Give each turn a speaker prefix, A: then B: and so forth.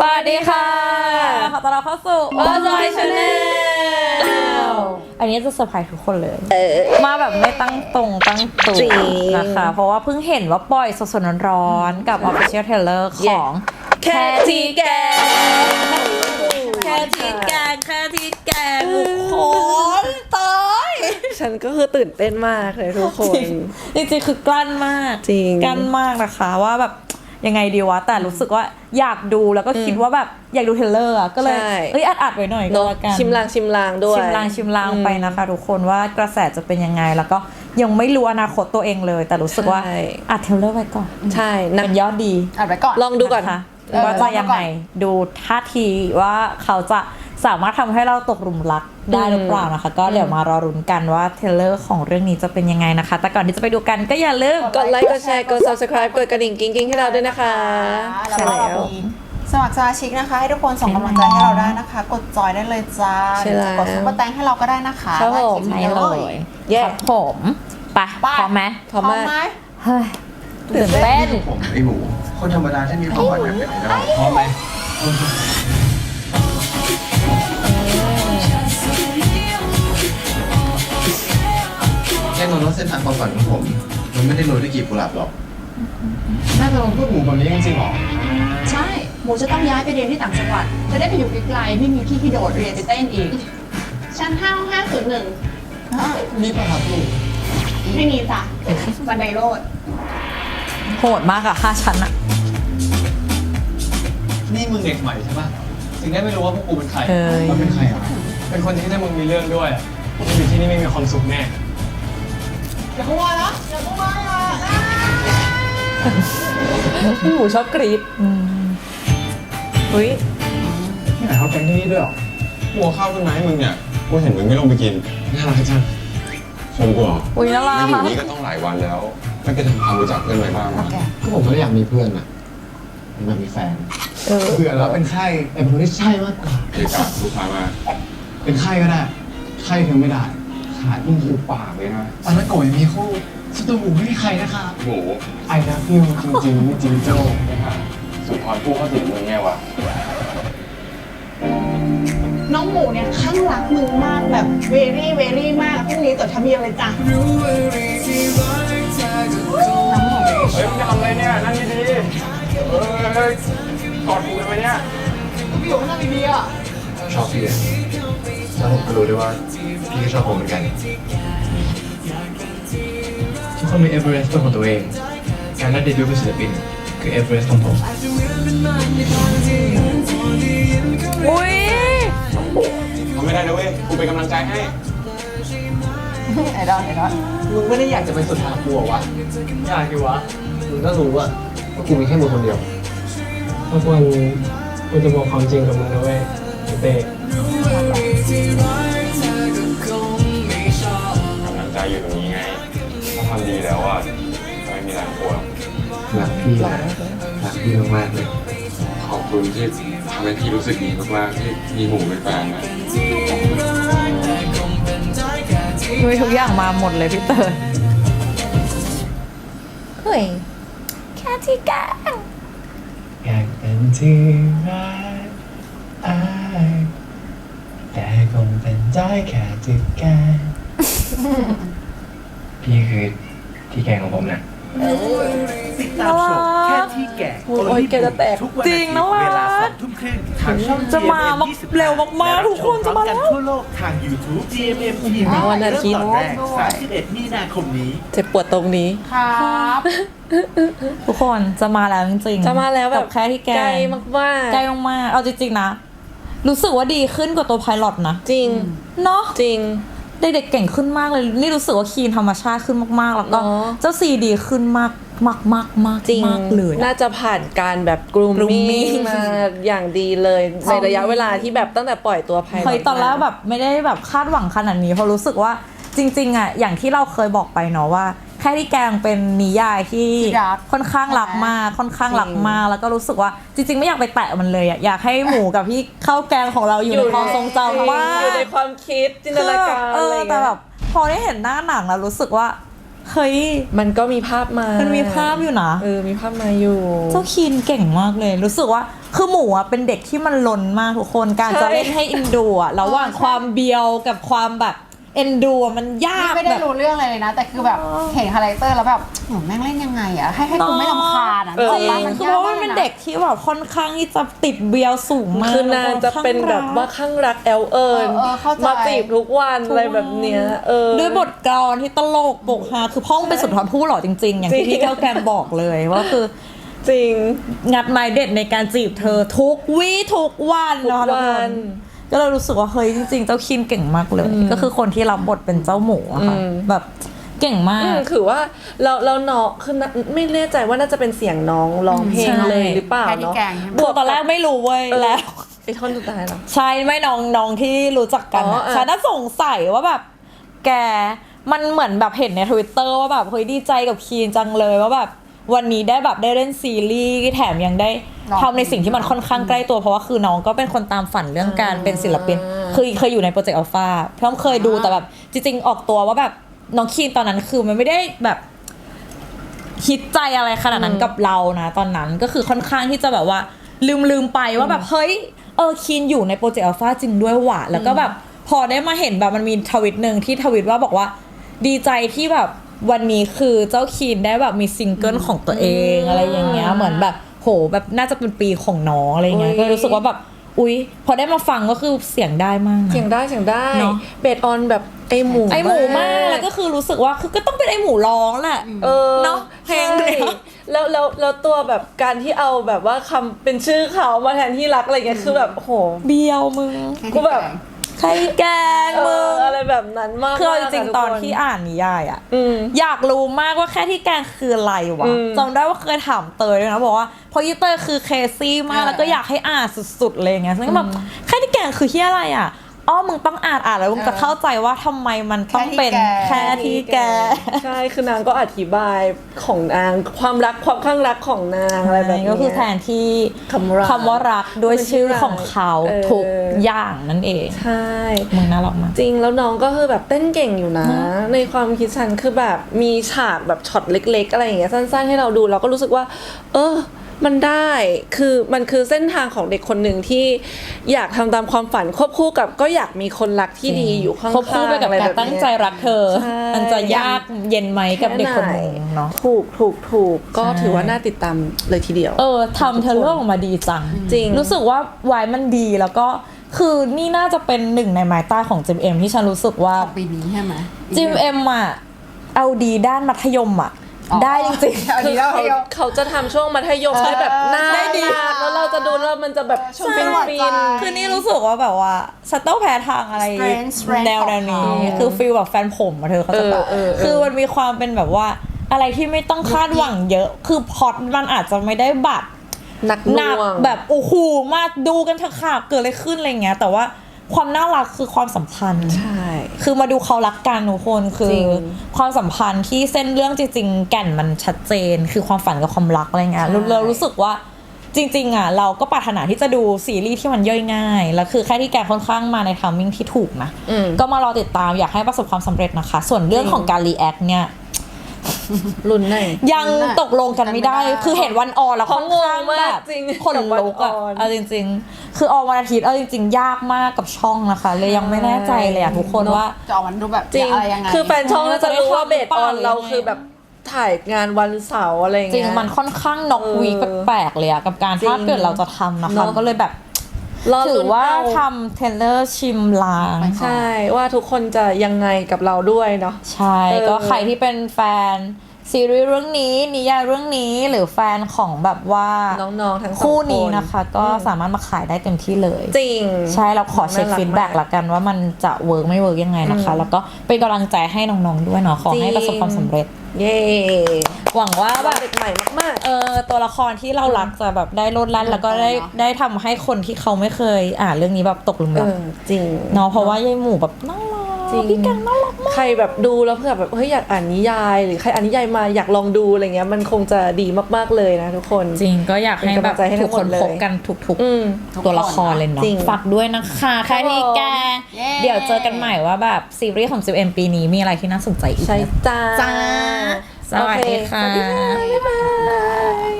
A: วัสดีค่ะขอต้อนรับเข้าสู่ Ozoi Channel อันนี้จะเซอร์ไพรส์ทุกคนเลยมาแบบไม่ตั้งตั้งตัวนะคะเพราะว่าเพิ่งเห็นว่าปล่อยสดๆร้อนๆกับ Official Trailer ของแค่ที่แกทุกคนตาย
B: ฉันก็คือตื่นเต้นมากเลยทุกคน
A: จริงๆคือกลั้นมาก
B: จริง
A: กลั้นมากนะคะว่าแบบยังไงดีวะแต่รู้สึกว่าอยากดูแล้วก็คิดว่าแบบอยากดูเทรลเลอร์ก็เลยอัดไว้หน่อยก็แล้วกัน
B: ชิมลางด้วย
A: ชิมลางไปนะคะทุกคนว่ากระแสจะเป็นยังไงแล้วก็ยังไม่รู้อนาคตตัวเองเลยแต่รู้สึกว่าอัดเทรลเลอร์ไว้ก่อน
B: ใช่
A: เป็นยอดดี
C: อัดไว้ก่อน
B: ลองดูก่อน
A: ว่าจะยังไงดูท่าทีว่าเขาจะสามารถทำให้เราตกหลุมรักได้หรือเปล่านะคะก็เดี๋ยวมารอรุ้นกันว่าเทรลเลอร์ของเรื่องนี้จะเป็นยังไงนะคะแต่ก่อนที่จะไปดูกันก็อย่าลืม
B: กดไลค์กดแชร์กด subscribe กดกระดิ่งกิ๊งๆให้เราด้วยนะคะ
C: ใช่แล้วสมัครสมาชิกนะคะให้ทุกคนส่งกำลังใจให้เราได้นะคะกดจอยได้เลยจ้ากดซุปเปอร์แตงให้เราก็ได้นะคะ
B: ครับผม
A: ใช่เลยครับผมไปพร้อมไหม
B: พร้อมไหม
A: เฮ้ยตื่นเต้น
D: ผมไอหมูคนธรรมดาที่มีความฝันอยากเป็นไอดอลพร้อมไหมแน่นอนว่าเส้นทางความฝันของผมมันไม่ได้โรยด้วยกลีบกุหลาบหรอกน่าจะลองพูดหมูแบบนี้จริงๆหรอ
E: ใช่หมูจะต้องย้ายไปเรียนที่ต่างจังหวัดจะได้ไปอยู่ไกลๆไม่มีที่โดดเรียนไปเต้นอีกชั้น501
D: มีป่ะครับลูก
E: ไม่มีจ้ะบันไดโลด
A: โหดมากอะ5 ชั้นอะ
D: นี่มึงเด็กใหม่ใช่ป่ะถึงได้ไม่รู้ว่าพวกกูเป็นใคร
A: มัน
D: เป็นใครอ่ะเป็นคนที่ถ้ามึงมีเรื่องด้วยมึงอยู่ที่นี่ไม่มีความสุขแน่อย่าเข้ามานะอย่าเข้ามา
A: พี่หมูชอบกรี๊ดอุ้ย
D: นี่ไหนเขาแกงที่นี่ด้วยหรอหัวข้าวต้นไม้มึงเนี่ยกูเห็นมึงไม่ลงไปกินน่ารักจังชมกูเหรอ
A: อุ้ยน่ารัก
D: อยู่นี่ก็ต้องหลายวันแล้วไม่เคยทำความรู้จักเพื่อนไว้บ้างก็ผมไม่ได้อยากมีเพื่อนอะอยากมีแฟนเบื่อแล้วเป็นไข้ไอ้คนที่ใช่มากกว่าเกี่ยวกับลูกค้ามาเป็นไข้ก็ได้ไข้ถึงไม่ได้ขาดยิ่งถูกปากเลยนะตอนนั้นโกยมีคู่สตูหมูไม่มีใครนะคะหมูไอ้นะพี่จริงไม่จริงโจ้นะคะสุดทอนกู้เข้าถึงมึงไงวะ
E: น้องหมูเนี่ยข้างรักมึงมากแบบเวรี่มากพรุ่งนี้ต่อทำเมียเลยจ้ะ
D: เฮ้ยมึงจะทำอะไรเนี่ยนั่งดีๆกอดกูเลยไหมเนี่ย
E: พี่อยู่นั่งดีๆอ่ะ
D: ชอบพี่เลยแล้วผมก็รู้ด้วยว่าพี่ก็ชอบผมเหมือนกันทุกคนมีเอเวอเรสต์เป็นของตัวเองการได้เดบิวต์เป็นศิลปินคือเอเวอเรสต์ของผม
A: อุ้ย
D: ทำไม่ได้นะเว้ยกูเป็นกำลังใจให้
C: ไอดอล
D: มึงไม่ได้อยากจะไปสุดทางกูหรอวะอยากดิวะมึงก็รู้อะว่ากูมีแค่มึงคนเดียวทุกวันกูจะบอกความจริงกับมึงนะเว้ยเต้กำลังใจอยู่ตรงนี้ไงถ้าทำดีแล้วอ่ะไม่มีแรงกลัวรักพี่มากๆเลยขอบคุณที่ทำให้พี่รู้สึกดีมากๆที่มีหมูเป็นแฟนนะ
A: ทุกอย่างมาหมดเลยพี่เตยเฮ้ยแค่ที่แก
D: อยากเป็นที่รักแต่คงเป็นได้แค่ที่แกพี่คือที่แกของผมนะ
A: ติดตามชมแค่ที่แกโอ้ยแกจะแตกจริงนะวะจะมาเร็วมากๆทุกคนจะมาแล้ว
F: ทั่วโลกทาง YouTube GMM TV
B: วันอาทิตย์
F: 31 มีนาคมนี้
B: เจ็บปวดตรงนี้
C: ครับ
A: ทุกคนจะมาแล้วจริงๆ
B: จะมาแล้วแบบ
A: แค่ที่แก
B: ใกล้มาก
A: ใกล้มากเอาจริงๆนะรู้สึกว่าดีขึ้นกว่าตัวไพลอตนะ
B: จริง
A: เนาะ
B: จริง
A: เด็กๆเก่งขึ้นมากเลยนี่รู้สึกว่าคีนธรรมชาติขึ้นมากๆแล้วก็เจ้าซีดีขึ้นมาก
B: จริง
A: เลย
B: น่าจะผ่านการแบบกรูมมิ่งมาอย่างดีเลยในระยะเวลาที่แบบตั้งแต่ปล่อยตัวไพลอต
A: ตอนแรกแบบไม่ได้แบบคาดหวังขนาดนี้เพราะรู้สึกว่าจริงๆอ่ะอย่างที่เราเคยบอกไปเนาะว่าแค่ที่แกงเป็นนิยายที่ค่อนข้างรักมากแล้วก็รู้สึกว่าจริงๆไม่อยากไปแตะมันเลยอ่ะอยากให้หมูกับพี่ข้าวแกงของเราอยู่ในความทรงจำว่า
B: อยู่ในความคิดจินตนาการอะไร
A: แต่แบบพอได้เห็นหน้าหนังแล้วรู้สึกว่าเฮ้ย
B: มันก็มีภาพมา
A: มันมีภาพอยู่นะ
B: มีภาพมาอยู่
A: เจ้าคีนเก่งมากเลยรู้สึกว่าคือหมูอ่ะเป็นเด็กที่มันลนมากทุกคนการจะเล่นให้อินดูอ่ะระหว่างความเบียวกับความแบบเอ็นดูอะมันยาก
C: ไม่ได้
A: แบบ
C: รู้เรื่องอะไรเลยนะ แต่คือแบบเห็นคาแรคเตอร์แล้วแบบแม่งเล่นยังไงอะให้กูไม่รำคาญอะ
A: จริง
C: มัน
A: คือเพราะว่ามันเป็นเด็กที่แบบค่อนข้างที่จะติดเบียวสูงมาก
B: คือนางจะเป็นแบบว่าข้างรักแอลเอิญ
C: เข้าใจ
B: มาจีบทุกวันอะไรแบบเนี้ย
A: ด้วยบทกลอนที่ตลกปกฮาคือพ่องเป็นสุดทอนผู้หล่อจริงๆ อย่างที่พี่แก้วแกมบอกเลยว่าคือ
B: จริง
A: งัดไม้เด็ดในการจีบเธอทุกวี่ทุกวัน
B: ทุก
A: เนาะทุก
B: วั
A: คน นก็เลยรู้สึกว่าเฮ้ยจริงๆ เจ้าคินเก่งมากเลย ก็คือคนที่รับบทเป็นเจ้าหมูอะค่ะแบบเก่งมาก
B: คือว่าเราน้องคือไม่แน่ใจว่าน่าจะเป็นเสียงน้องร้องเพลง
A: ใช่
B: เลยหรือเปล่า
C: แค่ที่
B: เนาะ
C: แกงใช่ไหม
A: บวกตอนแรกไม่รู้เว้ยแล้ว
B: ไอ้ท่อนสุดท้ายเหรอ
A: ใช่ไม่น้องที่รู้จักกัน
B: อ๋อ
A: อะฉันน่าสงสัยว่าแบบแกมันเหมือนแบบเห็นใน Twitter ว่าแบบเฮ้ยดีใจกับคีนจังเลยว่าแบบวันนี้ได้แบบได้เล่นซีรีส์แถมยังได้ทำในสิ่งที่มันค่อนข้างใกล้ตัวเพราะว่าคือน้องก็เป็นคนตามฝันเรื่องการเป็นศิลปินคือเคยอยู่ในโปรเจกต์อัลฟาเพิ่มเคยดูแต่แบบจริงๆออกตัวว่าแบบน้องคีนตอนนั้นคือมันไม่ได้แบบคิดใจอะไรขนาดนั้นกับเรานะตอนนั้นก็คือค่อนข้างที่จะแบบว่าลืมไปว่าแบบเฮ้ยคีนอยู่ในโปรเจกต์อัลฟาจริงด้วยว่ะแล้วก็แบบพอได้มาเห็นแบบมันมีทวิตหนึ่งที่ทวิตว่าบอกว่าดีใจที่แบบวันนี้คือเจ้าคีนได้แบบมีซิงเกิลของตัวเองอะไรอย่างเงี้ยเหมือนแบบโหแบบน่าจะเป็นปีของน้องอะไรเงี้ยก็รู้สึกว่าแบบอุ๊ยพอได้มาฟังก็คือเสียงได้มากนะ
B: เสียงได้เนาะเบสออนแบบไอหมู
A: ไอหมูมากแล้วก็คือรู้สึกว่าคือก็ต้องเป็นไอหมูร้องแหละเนาะเพลงเนี้ย
B: แล้วตัวแบบการที่เอาแบบว่าคำเป็นชื่อเขามาแทนที่รักอะไรเงี้ยคือแบบโห
A: เบียวมึง
B: กูแบบ
A: ใครแกล้งมึง
B: อะไรแบบนั้นมาก
A: คือเอาจริง
B: ทุก
A: ๆตอน
B: ค
A: ที่อ่านนิยายอะ
B: ม
A: อยากรู้มากว่าแค่ที่แกล้งคืออะไรวะจำได้ว่าเคยถามเตยด้วยนะบอกว่าเพราะยี่เตยคือเคซี่มากแล้วก็อยากให้อ่านสุดๆเลยอย่างเงี้ยซึ่งก็แบบแค่ที่แกล้งคือที่อะไรอะมึงต้องอ่านแล้วมึงจะเข้าใจว่าทำไมมันต้องเป็นแค่ที่แก
B: ใช่คือนางก็อธิบายของนางความรักความข้างรักของนางอะไรแบบนี้
A: ก็คือแทนที่
B: คำรัก
A: คำว่ารักด้วยชื่อของเขา
B: เออ
A: ทุกอย่างนั่นเอง
B: ใช่
A: มึงน่ารักมาก
B: จริงแล้วน้องก็คือแบบเต้นเก่งอยู่นะ ในความคิดฉันคือแบบมีฉากแบบช็อตเล็กๆอะไรอย่างเงี้ยสั้นๆให้เราดูเราก็รู้สึกว่า มันได้คือมันคือเส้นทางของเด็กคนหนึ่งที่อยากทำตามความฝันควบคู่กับก็อยากมีคนรักที่ดีอยู่ข้างๆ
A: ควบคู่ไปกับ
B: อะ
A: การ
B: แบบ
A: ตั้ง
B: เนี้ย
A: ใจรักเธอ
B: ใช่
A: มันจะยากเย็นไหมกับเด็กคนหนึ่งเนาะ
B: ถูกก็ถือว่าน่าติดตามเลยทีเดียว
A: ทำเธอเรื่องออกมาดีจัง
B: จริง
A: รู้สึกว่าวายมันดีแล้วก็คือนี่น่าจะเป็นหนึ่งในไม้ใต้ของจิมเอ็มที่ฉันรู้สึกว่า
C: ปีนี้ใช่ไหม
A: จิมเอ็มอะเอาดีด้านมัธยมอะได้จริงๆ
C: เอาดีแล้ว
B: เขาจะทำช่วงมัธยมให้แบบน่า
A: ได้ดี
B: รักแล้วเราจะดูแล้วมันจะแบบ
C: ช่วง
B: ฟิน
C: จังหวะ
B: ฟิ
C: ใจ
B: น
A: คือนี่รู้สึกว่าแบบว่าฉันต้องแพ้ทางอะไร
C: Strength
A: แนว
C: ของ
A: นี้
C: เขา
A: คือฟีลแบบแฟนผมอะเธอเขาจะแบบ คือมันมีความเป็นแบบว่าอะไรที่ไม่ต้องคาดหวังเยอะ คือพล็อตมันอาจจะไม่ได้บัด
B: หนักห
A: หนัก
B: น่วง
A: แบบโอ้โหมากดูกันเถอะค่ะเกิดอะไรขึ้นอะไรเงี้ยแต่ว่าความน่ารักคือความสัมพันธ์
B: ใช่
A: คือมาดูเขารักกันทุกคนคื
B: จริ
A: อง ความสัมพันธ์ที่เส้นเรื่องจริงๆแก่นมันชัดเจน คือความฝันกับความรักอะไรเงี้ยเรารู้สึกว่าจริงๆอ่ะเราก็ปรารถนาที่จะดูซีรีส์ที่มันย่อยง่ายแล้วคือแค่ที่แกค่อนข้างมาในทามมิ่งที่ถูกนะก็มารอติดตามอยากให้ประสบความสำเร็จนะคะ ส่วนเรื่องของการรีแอคเนี่ย
B: ลุ้นหน่อย
A: ยังตกลงกันไม่ได้ คือเห็นวันออนแล้วค่อนข้าง
B: เพราะงง
A: แบ
B: มาก
A: บ
B: จริง
A: คนลุกอะ
B: กับวันออน
A: เอาจริงๆ คือออนวันอาทิตย์เอาจริงๆ ยากมากกับช่องนะคะ เลยยังไม่แน่ใจเลยอะทุกคนว่า
C: จะออกมันดูแบบ
B: จริง
C: อะไรยังไง
B: คือแฟนช่องน่าจะรู้ว่าเบสออนเรา
A: หรือยังไง
B: คือแบบถ่ายงานวันเสาร์อะไรอย่าง
A: จริ
B: เงี้
A: ง
B: ย
A: มันค่อนข้างน็อกวีคแปลกๆเลยอะกับการ
B: จริง
A: ถ้าเกิดเราจะทำนะคะ
B: เนอะ
A: ก็เลยแบบ
B: รอ
A: ถื
B: ลุ้
A: อน ว่า
B: เ
A: ทำเทรลเลอร์ชิมลาง
B: ใช่ว่าทุกคนจะยังไงกับเราด้วยเนาะ
A: ใช่ก็ใครที่เป็นแฟนซีรีส์เรื่องนี้นิยายเรื่องนี้หรือแฟนของแบบว่า
B: น้องๆทั้งสอง
A: คู่นี้
B: คน
A: นะคะ ก็สามารถมาขายได้เต็มที่เลย
B: จริง
A: ใช่เราขอเช็ค
B: น่ารัก
A: ฟีดแบ็ก
B: มาก
A: ละกันว่ามันจะเวิร์กไม่เวิร์กยังไงนะคะ แล้วก็เป็นกำลังใจให้น้องๆด้วยเนาะขอให้ประสบความสำเร็จ
B: เย้
A: หวังว่าแบ
B: ว่า
A: บ
B: เด็กใหม่มาก
A: ตัวละครที่เรารักจะแบบได้โลดแล่นแล้วก็ได้ทำให้คนที่เขาไม่เคยอ่านเรื่องนี้แบบตกหลุม
B: ๆ
A: รัก
B: จริง
A: เนาะเพราะว่ายายหมูแบบน่ารัก
B: จริง
A: พี่แกงน่ารักมาก
B: ใครแบบดูแล้วเผื่อแบบเฮ้ยอยากอ่านนิยาย หรือใครอ่านนิยายมาอยากลองดูอะไรเงี้ยมันคงจะดีมากๆเลยนะทุกคน
A: จริงก็อยากให้แบบ
B: เป็นกำลังใจให้ทั้
A: ทุก
B: งห
A: ค
B: ม
A: น
B: ดเลย
A: พบกันทุก
B: อืม
A: ตัวละครเลยเนาะ
B: จริง
A: ฝากด้วยนะคะแค่ที่แกง
C: เย้
A: เดี๋ยวเจอกันใหม่ว่าแบบซีรีส์ของ 10M ปีนี้มีอะไรที่น่าสนใจอีก
B: ใช่
A: นะ
B: จ้า
C: จ้า
A: สวัสดีค่ะ
B: โอเคสวัสดีค่ะบ๊ายบาย